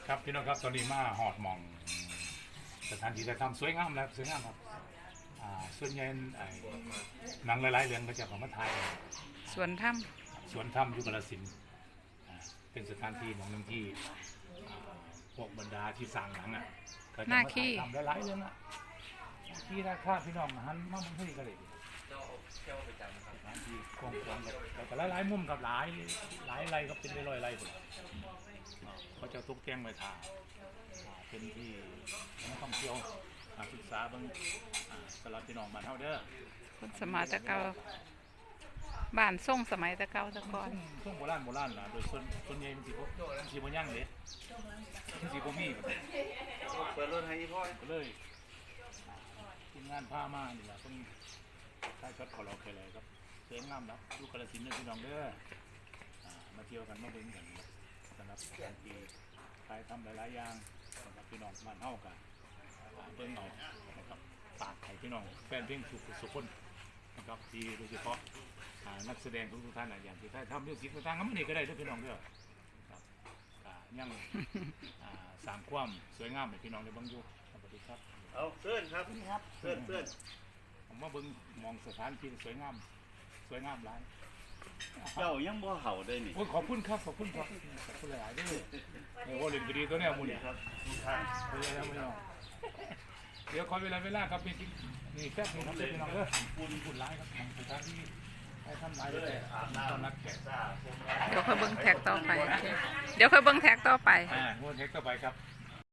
ครับพี่น้องครับตอนนี้มาหอดหมองสถานที่ถ่ายทำสวยงามแล้วสวยงามครับส่วนใหญ่หนังหลายๆเรื่องก็จะของมาถ่ายสวนถ้สวนถ้ำยุคกาฬสินธุ์เป็นสถานที่หนึ่งที่พวกบรรดาที่สั่งหนังก็จะมาถ่ายทำหลายๆเรื่องที่ราคาพี่น้องหันมามันให้กันเลยสถานที่กว้างๆกับหลายๆมุมกับหลายไรก็เป็นร้อยไรคนเขาจะตุกแจ้งไว้ทางเป็นที่นักท่องเที่ยวศึกษาบางสำหรับพี่น้องบ้านเฮาเด้อคนสมัยตะเกาบ้านส่งสมัยตะเกาตะกอนช่วงโบราณนะโดยส่วนใหญ่มันสิบ่ยั่งเลยมันสิบ่มีเปิดรถให้พ่อเลยทีมงานพามานี่แหละต้องใช้ช็อตขอเราเคยเลยครับสวยงามแล้วดูกาฬสินธุ์พี่น้องเด้อมาเที่ยวกันมาเบิ่งกันสำหรับการที่ใครทำหลายๆอย่างสำหรับพี่น้องบ้านเฮากันเบิ่งเอานะครับฝากให้พี่น้องแฟนเพลงสุขคนนะครับที่โดยเฉพาะนักแสดงทุกท่านอย่างที่ท่านทำมิวสิกต่างๆก็ไม่ได้ก็ได้ด้วยพี่น้องเด้อครับยังสร้างความสวยงามให้พี่น้องได้เบิ่งอยู่สวัสดีครับเอาเพื่อนครับเพื่อนผมมาเบิ่งมองสถานที่สวยงามหลายเจ้ายังบ่เห่าได้นี่ขอบคุณครับขอบคุณหลายๆด้วยโอ้เล่นดีตัวนี้มูนี่ครับทุกท่านไปแล้วไม่เอาเดี๋ยวขอเวลาครับเป็นจริงนี่แค่นี้ครับพี่น้องเด้อคุณร้ายครับสถานที่ให้ทำร้ายเลยตอนนักแข่งเดี๋ยวค่อยเบิ้งแท็กต่อไปเดี๋ยวค่อยเบิ้งแท็กต่อไปงวดแท็กต่อไปครับ